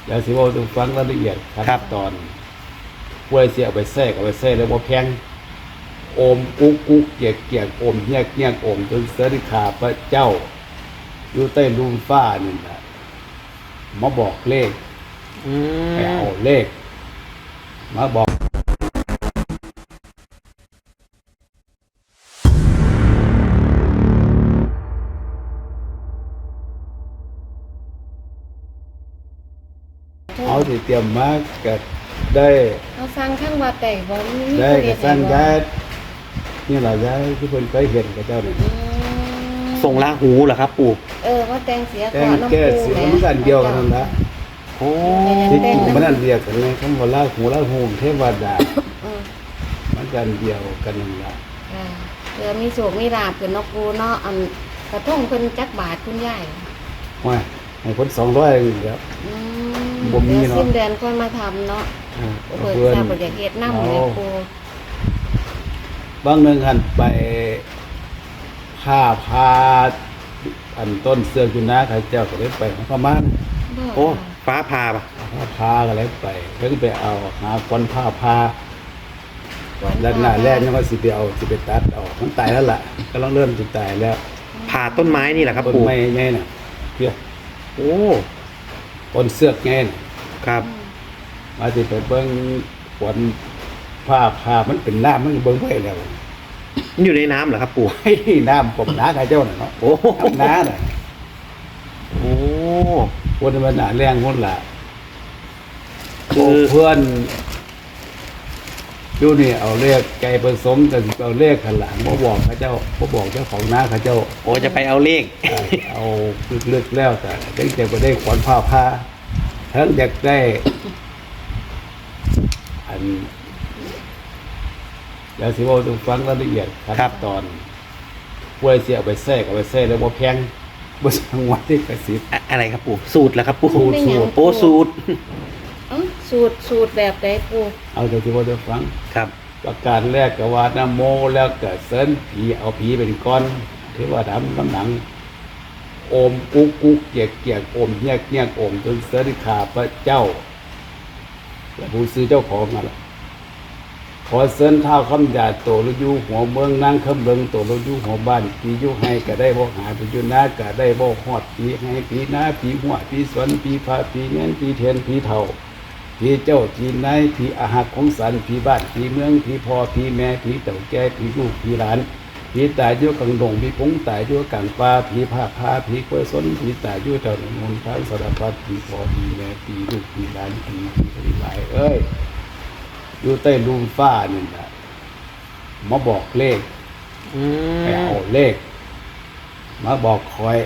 เดี๋ยวสิว่าต้องฟังรายละเอียดขั้นตอนป่วยเสียเอาไปแทรกแล้วว่าแพงโอมกุ๊กกุ๊กเกียกเกียกโอมเฮียกเฮียกโอมจนเสด็จขาพระเจ้าอยู่ใต้ลุมฟ้านี่แหละมาบอกเลขไปเอาเลขมาบอกเอาที่เตรียมมาก็ได้เอาฟังข้างวัดได้บ่มีได้ก็สร้างย้ายยนี่แหละย้ายที่เพิ่นเคยเห็นกับเจ้านี่ส่งลาหูเหรอครับปู่ว่าแต่งเสียแต่ก่อนน้ำแก้ปูเสียงมันกันเดียวกันนั่นละโอ้ที่จริงมันนั่นเดียวกันไงคำว่าลาหูเทวดามันกันเดียวกันนั่นละเดี๋ยวมีโศกมีลาบเป็นนกปูเนาะอันกระทงเพิ่นจักบาทคุณยายว่าให้คน200นี่ครับ บ่มีเนาะสิ้นเดือนค่อยมาทำเนาะเปิดทราบว่าอยากเฮ็ดน้ำเลยปูบางหนึ่งหันไปผ้าพาอันต้นเสือกอยู่นะใครเจ้าก็เลยไปของพม่าโอ้ฟ้าผ่าปะผ้าพาก็เลยไปเพิ่งไปเอาหาคนผ้าพาด้านหน้าแรกนี่ว่าสิไปตัดออกมันตายแล้วล่ะก็ต้องเริ่มจะตายแล้วผ่าต้นไม้นี่แหละครับต้นปู่ไม้ไงน่ะเพื่อโอ้ต้นเสือกไงน่ะครับมาสิไปเบิ่งฝนผ้าพามันเป็นน้ำมันเบิ่งไว้แล้วมันอยู่ในน้ำเหรอครับปู่ให้น้ำกบหนาใครเจ้าน่ะเนาะโอ้น้ำหนาน่ะโอ้คนมันหนาแรงคนละคือเพื่อนอยู่นี่เอาเลขไก่ผสมกันเอาเลขขันหลังมาบอกเขาเจ้ามาบอกเจ้าของน้าเขาเจ้าโอ้จะไปเอาเลขเอาลึกๆแล้วแต่เด็กจะไปได้ขวัญผ้าผ้าทั้งอยากได้อันเดี๋ยวสิว่าต้องฟังรายละเอียดขั้นตอนป่วยเสียเอาไปแทรกแล้วว่าแพงบ่สังวัดที่กระสิบอะไรครับปู่สูตรเหรอครับปู่สูตรโอ้สูตรสูตรแบบใดปูเอาแต่ที่ว่าจะฟังครับประการแรกก็ว่านะโมแล้วก็เสินผีเอาผีเป็นก้อนเทวดาน้ำหนังโอมกุ๊กกุ๊กเกียกเกียกโอมเฮียกเฮียกโอมจนเสด็จขาพระเจ้าและผู้ซื้อเจ้าของนั่นแหละขอเสินเท้าคำหยาดโตลุยูหัวเมืองนั่งคำเบิงโตลุยูหัวบ้านผียุให้ก็ได้บ่หาผียุนาก็ได้บ่ฮอดผีให้ผีนาผีหัวผีสวนผีพาผีเงี้ยผีเทียนผีเท่าผีเจ้าผีนายผีอาหักของสันผีบ้านผีเมืองผีพ่อผีแม่ผีเต่าแก่ผีลูกผีหลานผีตายอยู่กลางดงผีพงตายอยู่กลางป่าผีผ้าพาผีกล้วยสนผีตายอยู่แถวหนทางสารพัดผีพ่อผีแม่ผีลูกผีหลานผีหลายเอ้ยอยู่ใต้ลุมฟ้านี่แหละมาบอกเลขไปเอาเลขมาบอกคอย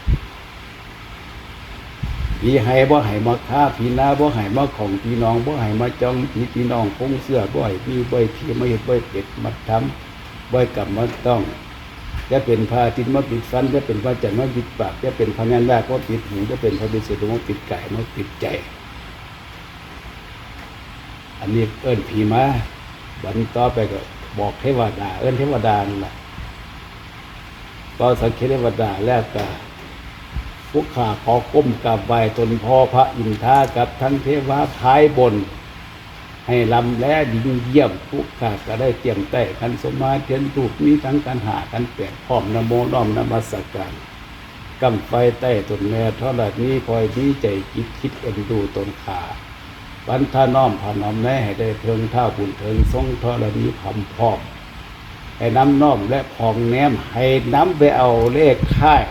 ผีให้บ่ให้มาฆ่าผีนาบ่ให้มาของพี่น้องบ่ให้มาจ้องพี่น้องคงเสื้อบ่ให้พี่บ่ให้พี่ไม่เห็นบ่เป็ดมาทำบ่กลับมาต้องจะเป็นพระอาทิตย์มาปิดฟันจะเป็นพระจันทร์มาปิดปากจะเป็นพระนันดาก็ปิดหูจะเป็นพระบิดามาปิดกายมาปิดใจอันนี้เอิ้นผีมาบันต่อไปก็บอกเทวดาเอิ้นเทวดานั่นแหละตอนสังเกตเทวดาแล้วก็พวกข้าขอก้มกราบไหว้ตนพ่อพระอินทรากับทั้งเทวาท้ายบนให้ลำและดิ่งเยี่ยมทุกข้าก็ได้เตรียมแต่กันสมาเทียนถูกมีทั้งการหากันแปดพร้อมนโมน้อมนมัสการกำไฟใต้ตนแม่เท่าไหร่นี้คอยดีใจคิดเอ็นดูตนขาบรรทาน้อมพาน้อมแม่ให้ได้เทิงท่าบุญเทิงทรงเท่าไหร่นี้พำพร้อมให้น้ำน้อมและพองแนมให้น้ำไปเอาเลขค่าย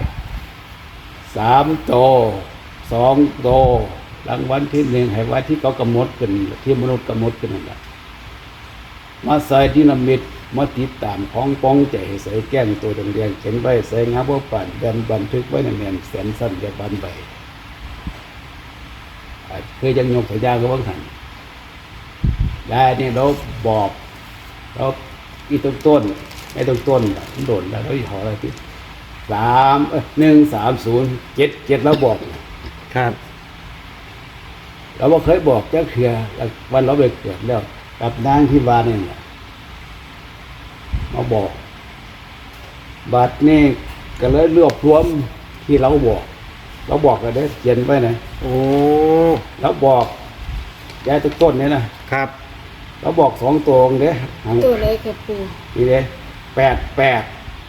3 โต 2 โตรางวัลที่ 1ให้ไว้ที่เขากำหนดกันที่มนุษย์กำหนดกันนั่นแหละมาใส่ดินามิตมาติดตามของป้องใจใส่แก้งตัวแดงๆเขียนไว้ใส่งาบ่ปั่นแบนบันทึกไว้ในแน่นแสนสั้นอย่าบันใบเคยยังยกสัญญาก็บ้างหันยายนี่เราบอกเราอีต้นไม่ต้นโดนแล้วเราหออะไรที่13077แล้วบอกครับเราบ่เคยบอกแค่เขื่อวันเราไปเกิดแล้วกับนางที่วานี่แหละมาบอกบัดนี้ก็เลยรวบรวมที่เราบอกเราบอกกันได้เขียนไว้นะโอ้เราบอกยายต้นเนี่ยนะครับ เราบอก2ตัวเด้หางตัวเลยครับปูนี่เด้88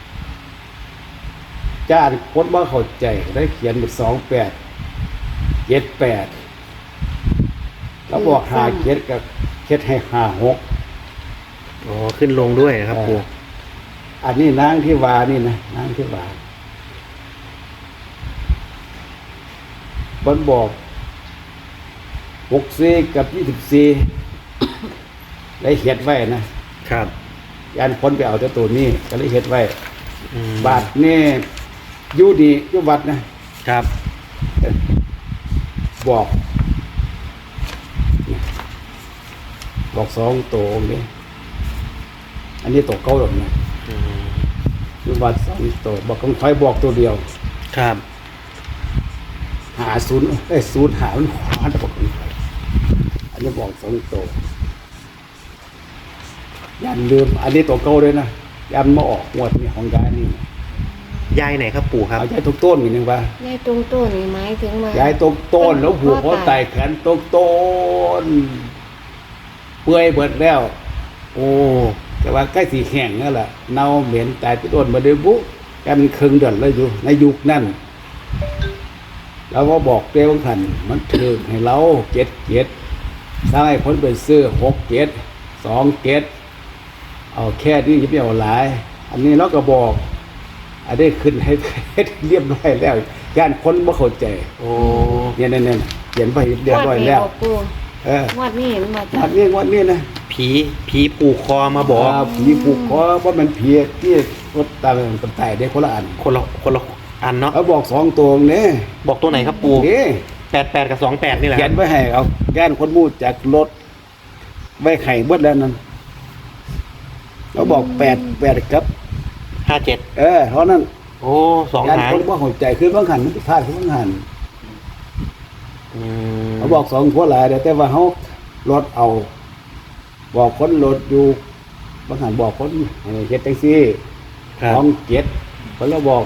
จ้าคนบ่เข้าใจได้เขียนเป็น28 78เราบอก57กับเฮ็ดให้56 อ๋อขึ้นลงด้วยนะครับปู่อันนี้นางที่วานี่นะนางที่วามันบอก64กับ24ได้เขียนไว้นะครับ ยันคนไปเอาแต่ตัวนี้ก็เลยเขียนไว้อืมบาทนี่อยู่ดีอยู่วัดนะครับ บอกบอก2ตัวนี่อันนี้ตัวเก่าหรอกนะอืมอยู่วัด2ตัวบอกของใครบอกตัวเดียวครับ 50หามันขวานบอกของใครอันนี้บอก2ตัวยันลืมอันนี้ตัวเก่าเลยนะยันมาออกงวดนี่ของยายนี่ยายไหนครับปู่ครับเอาใจทุกต้นอีกนึงว่ายายตรงต้นนี่หมายถึงว่ายายตรงต้นแล้วหัวเขาไต่แขนตรงต้นเปื่อยเบิดแล้วโอ้แต่ว่าใกล้สีแข็งนั่นแหละเน่าเหม็นตายไปต้นมาเดือบุแกมันครึ่งเดือนเลยอยู่ในยุคนั้นเราก็บอกเต้บางขันมันถือให้เรา7สร้างให้คนไปซื้อ6 7 2 7เอาแค่นี้จะไม่เอาหลาย อันนี้เราก็บอกอันนี้ขึ้นให้ เรียบร้อยแล้วย่านคนบ่เข้าใจโอ้เนี่ยเขียนไปเรียบร้อยแล้วงดนี้ปูเอองวดนี้มันมาจากวันนี้นะผีผูกคอมาบอกผีผูกคอว่ามันผีที่รถตามกันไต่ได้คนละอันคนละอันเนาะเขาบอก2ตัวเนี่ยบอกตัวไหนครับปู่นี่ 88กับ28นี่แหละเขียนไว้ให้เอาย่านคนมูดจากรถไว้ไข่เบิดแล้วนั่นเขาบอก8กับ 57 เท่านั้นโอ้สองย่านหางคนบ่เข้าใจคือบางหันมันพลาดคือบางหันอืมเขาบอก2ทั่วหลายแต่ว่าเขารถเอา บอกคนรถอยู่บางหันบอกคนให้เฮ็ดจังซี่ครับของ7เขาแล้วบอก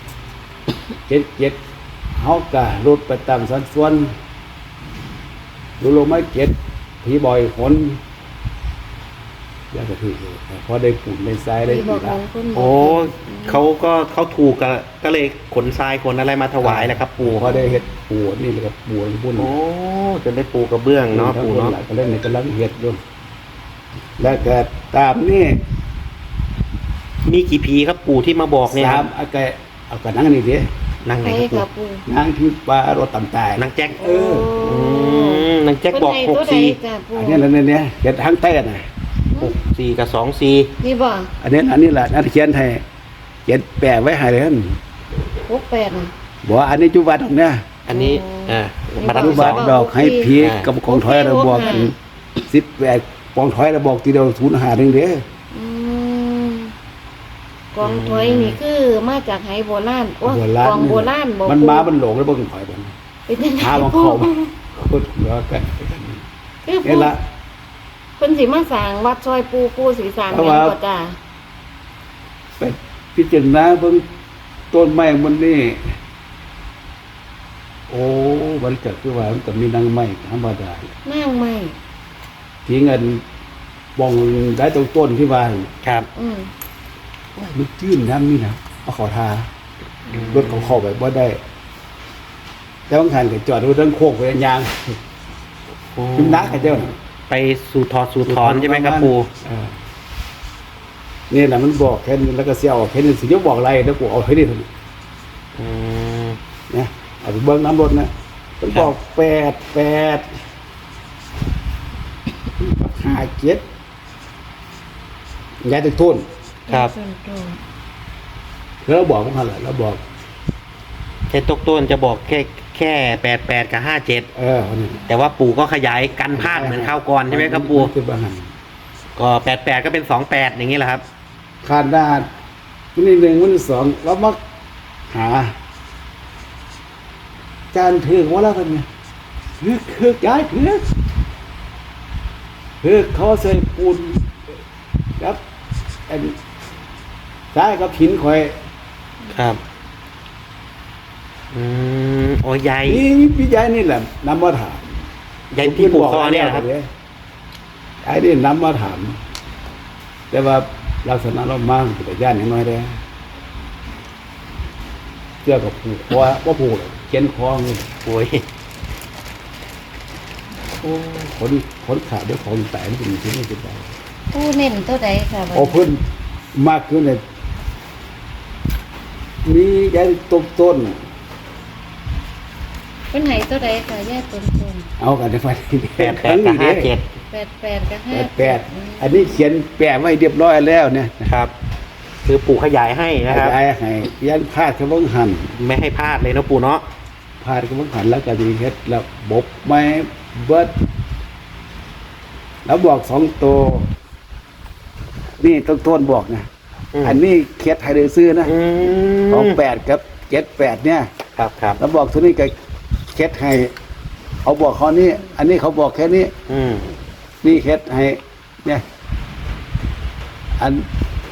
7เฮากะรถไปตามสัดส่วนดูลงมา7ผีบ่อยคนอยากจะถือพอได้ปุ่นได้ทรายได้ที่บกี่อกขละองคนโอ้เขาถูกก็เลยขนทรายขนอะไรมาถวายแหละครับ ปู่พอได้เฮ็ดปูนี่เลยครับปูบุญโอ้จนได้ปูกระเบื้องเนาะทั้งปู่คนเนาะหลายก็เล่นในกำลังเฮ็ดอยู่แล้วก็ตามนี่มีกี่ผีครับปู่ที่มาบอกเนี่ยคสารัมบเอากระนั่งนี่ดินั่งไหนใช่ครับค่ะปู่ปูนั่งที่ปลารถต่ำตายนางแจ็คเออนางแจ็คบอกเพิ่นให้ตัวใด 64 จ้ะปูอันนี้แล้วเนี่ยเฮ็ดทั้งเต้น่ะ 64กับ24 นี่บ่อันนี้แหละนั่นเขียนให้เขียนแปะไว้ให้เลยนั่น 68น่ะบอกว่าอันนี้จุบัดของเนี่ยอันนี้มาดับจุที่บัสดองดอกให้ผีอ่ากับของถอยเราบอกกัน18ปองถอยเราบอกทีเดียว05นึงเด้ออืมกองถอยนี่คือมาจากไหโบราณโอ้โบราณกองโบราณบ่มันปูมามันหลงแล้วบ่ถอยบ่เป็นจังได๋หาของปูเขาพูดเหลือกันคือนี่ปูละเพิ่นสิมาสร้างวัดซอยปูสิสร้างเพราะแม่ว่านบ่จ้าไปพิจารณาเบิ่งต้นไม้มันนี่โอ้มันก็คือว่ามันก็มีนางไม้ธรรมดานั่งไม่ที่เงินบองได้ตรงต้นที่ว่าครับอืมมันจื้นน้ำนี่นะเอาขอทารถเขาเข้าไปบ่ได้แต่บางคันก็จอดรถทั้งโคกไปยางโอ้ขึ้นนักให้เจ้าน่ะไปสู่ถอนใช่ไหมครับปู่เออนี่แหละมันบอกแค่นี้แล้วก็เสียออกแค่นี้สิจะบอกอะไรแล้วกูเอาให้ได้เท่านี้อืมนะเอาไปเบิ้งน้ำรถนะมันบอก857ยายตึกทุนครับแล้วเราบอกพวกเขาแหละเราบอกแค่ตกต้นจะบอกแค่88กับ57 คนนี้แต่ว่าปู่ก็ขยายกันพลาดเหมือนข้าวก่อนใช่ไหมครับปู่คือบางหันก็88ก็เป็น28อย่างนี้แหละครับขาดด้านวันที่1วันที่2เรามักหาจานถือว่าแล้วกันไงคือยายถือเขาใส่ปูนครับอันซ้ายกับหินคอยครับอ๋อยายนี่พี่ยายนี่แหละนำมาถามยายที่ผูกคอเนี่ยนะครับไอ้นี่นำมาถาม แต่ว่าลักษณะเรามั่งแต่ย่านอย่างน้อยได้เสื้อกับผูกคอว่าผูกเขียนคอเลยโอ้ยโอ้ขนขาดด้วยของแต่นี่เป็นที่ไม่เป็นไรปูเน้นตัวใดค่ะบัดโอ้นี้เพิ่นมากขึ้นเลยมียายต้นเพิ่นให้ตัวใดค่ะย่าต้นเอากันได้ไฟ 88กับ57 88กับ5 88อันนี้เขียนแปะไว้เรียบร้อยแล้วเนี่ยนะครับ คือปู่ขยายให้นะครับยายให้ยันพาดกระเบื้องหันไม่ให้พลาดเลยนะปู่เนาะพาดกระเบื้องหันแล้วก็มีเฮ็ดแล้วบกไม้เบิดแล้วบอก2ตัวนี่ต้นบอกนะ อันนี้เขียดไทยเดือซื้อนะ ของ8กับ78เนี่ยครับครับแล้วบอกตัวนี้ก็เขียดให้เขาบอกเขานี่อันนี้เขาบอกแค่นี้ นี่เขียดให้เนี่ย อัน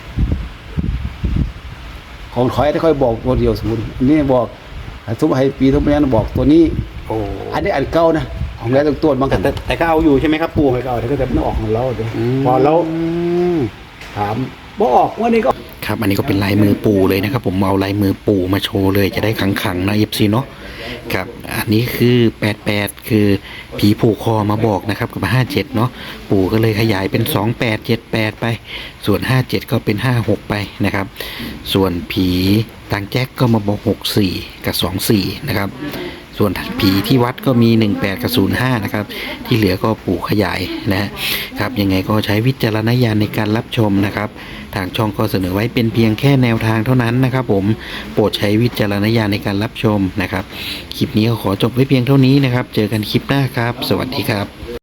ของถอยที่ค่อยบอกตัวเดียวศูนย์อันนี้บอกทุบให้ปีทุบปีนั้นบอกตัวนี้โอ้อันนี้อันเก่านะของแล้วตัวบางกันแต่ก็เอาอยู่ใช่ไหมครับปู่ไม่เก่าแต่ก็จะไม่ออกของเราเดี๋ยวพอเราถามบ่ออกวันนี้ก็ครับอันนี้ก็เป็นลายมือปู่เลยนะครับ ผมเอาลายมือปู่มาโชว์เลยจะได้ขังๆนะ FC เนาะครับอันนี้คือ88คือผีผูกคอมาบอกนะครับกับ57เนาะปู่ก็เลยขยายเป็น2878ไปส่วน57ก็เป็น56ไปนะครับส่วนผีต่างแจ็คก็มาบอก64กับ24นะครับส่วนผีที่วัดก็มี18กับ05นะครับที่เหลือก็ปู่ขยายนะครับยังไงก็ใช้วิจารณญาณในการรับชมนะครับทางช่องก็เสนอไว้เป็นเพียงแค่แนวทางเท่านั้นนะครับผมโปรดใช้วิจารณญาณในการรับชมนะครับคลิปนี้ก็ขอจบไว้เพียงเท่านี้นะครับเจอกันคลิปหน้าครับสวัสดีครับ